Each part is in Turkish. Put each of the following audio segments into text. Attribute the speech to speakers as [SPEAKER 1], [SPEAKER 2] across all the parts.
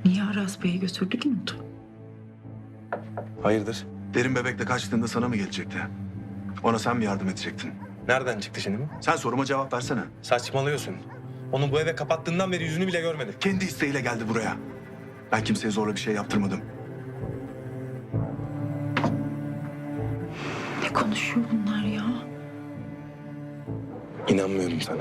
[SPEAKER 1] Niye Aras Bey'i götürdü ki Umut?
[SPEAKER 2] Hayırdır?
[SPEAKER 3] Derin bebekle kaçtığında sana mı gelecekti? Ona sen mi yardım edecektin?
[SPEAKER 2] Nereden çıktı şimdi bu?
[SPEAKER 3] Sen soruma cevap versene.
[SPEAKER 2] Saçmalıyorsun. Onu bu eve kapattığından beri yüzünü bile görmedim.
[SPEAKER 3] Kendi isteğiyle geldi buraya. Ben kimseye zorla bir şey yaptırmadım.
[SPEAKER 1] Ne konuşuyor bunlar ya?
[SPEAKER 2] İnanmıyorum sana.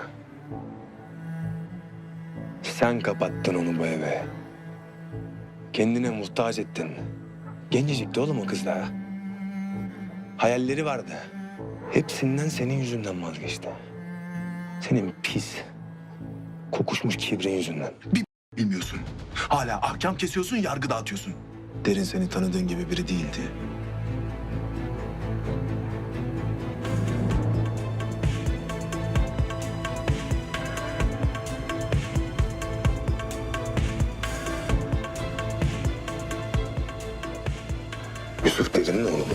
[SPEAKER 2] Sen kapattın onu bu eve. Kendine muhtaç ettin. Gencecikti oğlum o kız daha. Hayalleri vardı. Hepsinden senin yüzünden vazgeçti. Senin pis, kokuşmuş kibrin yüzünden.
[SPEAKER 3] Bilmiyorsun. Hala ahkam kesiyorsun, yargı dağıtıyorsun. Derin seni tanıdığın gibi biri değildi.
[SPEAKER 2] Yusuf Derin'in oğlu mu?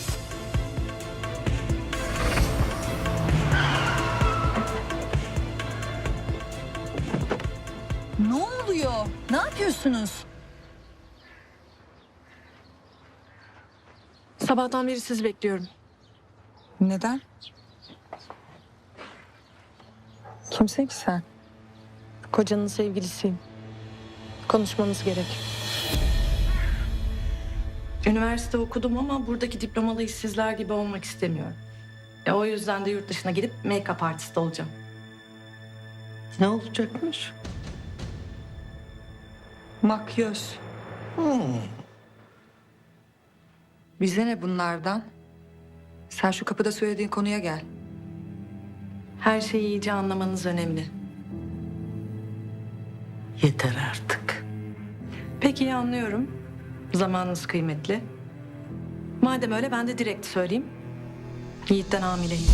[SPEAKER 4] Ne oluyor? Ne yapıyorsunuz?
[SPEAKER 5] Sabahtan beri sizi bekliyorum.
[SPEAKER 4] Neden? Kimsin ki sen?
[SPEAKER 5] Kocanın sevgilisiyim. Konuşmamız gerek. Üniversite okudum ama buradaki diplomalı işsizler gibi olmak istemiyorum. O yüzden de yurt dışına gidip make-up artist olacağım.
[SPEAKER 6] Ne olacakmış?
[SPEAKER 4] Makyöz. Bize ne bunlardan? Sen şu kapıda söylediğin konuya gel.
[SPEAKER 5] Her şeyi iyice anlamanız önemli.
[SPEAKER 6] Yeter artık.
[SPEAKER 5] Peki anlıyorum. Zamanınız kıymetli. Madem öyle ben de direkt söyleyeyim. Yiğit'ten hamileyim.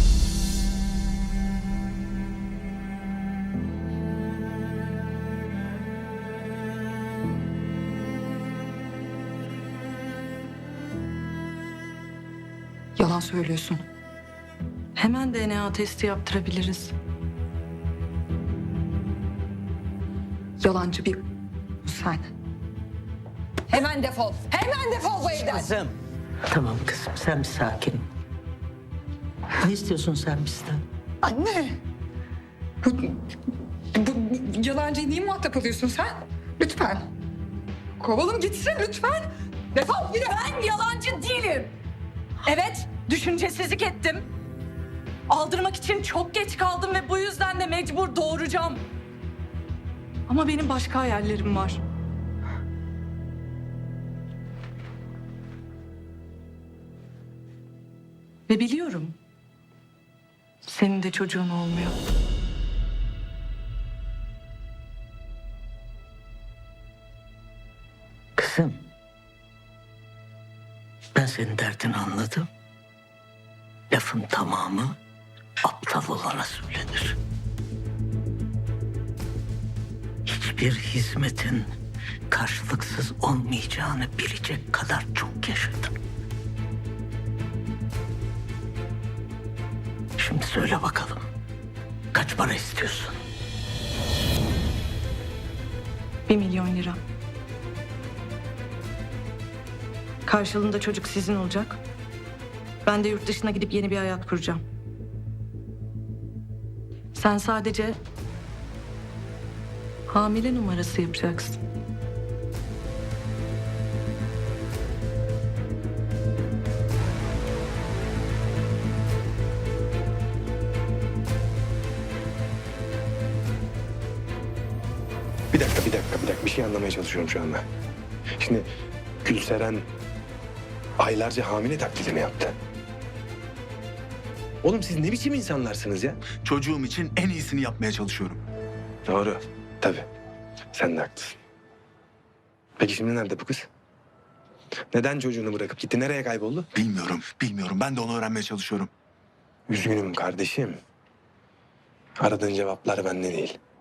[SPEAKER 4] Yalan söylüyorsun.
[SPEAKER 5] Hemen DNA testi yaptırabiliriz.
[SPEAKER 4] Yalancı bir sen. Hemen defol. Hemen defol bu evden.
[SPEAKER 6] Kızım. Tamam kızım sen bir sakin. Ne istiyorsun sen bizden?
[SPEAKER 4] Anne. Bu yalancıyı niye muhatap alıyorsun sen? Lütfen. Kovalım gitsin lütfen. Defol yürü.
[SPEAKER 5] Ben yalancı değilim. Evet, düşüncesizlik ettim. Aldırmak için çok geç kaldım ve bu yüzden de mecbur doğuracağım. Ama benim başka hayallerim var. Ve biliyorum. Senin de çocuğun olmuyor.
[SPEAKER 6] Kızım. Ben senin derdini anladım. Lafın tamamı aptal olana söylenir. Hiçbir hizmetin karşılıksız olmayacağını bilecek kadar çok yaşadım. Şimdi söyle bakalım. Kaç para istiyorsun?
[SPEAKER 5] 1 milyon lira. Karşılığında çocuk sizin olacak. Ben de yurt dışına gidip yeni bir hayat kuracağım. Sen sadece hamile numarası yapacaksın.
[SPEAKER 2] Bir dakika. Bir şey anlamaya çalışıyorum şu anda. Şimdi Gülseren aylarca hamile taklidini yaptı. Oğlum siz ne biçim insanlarsınız ya?
[SPEAKER 3] Çocuğum için en iyisini yapmaya çalışıyorum.
[SPEAKER 2] Doğru. Tabii. Sen de haklısın. Peki şimdi nerede bu kız? Neden çocuğunu bırakıp gitti? Nereye kayboldu?
[SPEAKER 3] Bilmiyorum. Ben de onu öğrenmeye çalışıyorum.
[SPEAKER 2] Üzgünüm kardeşim. Aradığın cevaplar bende değil.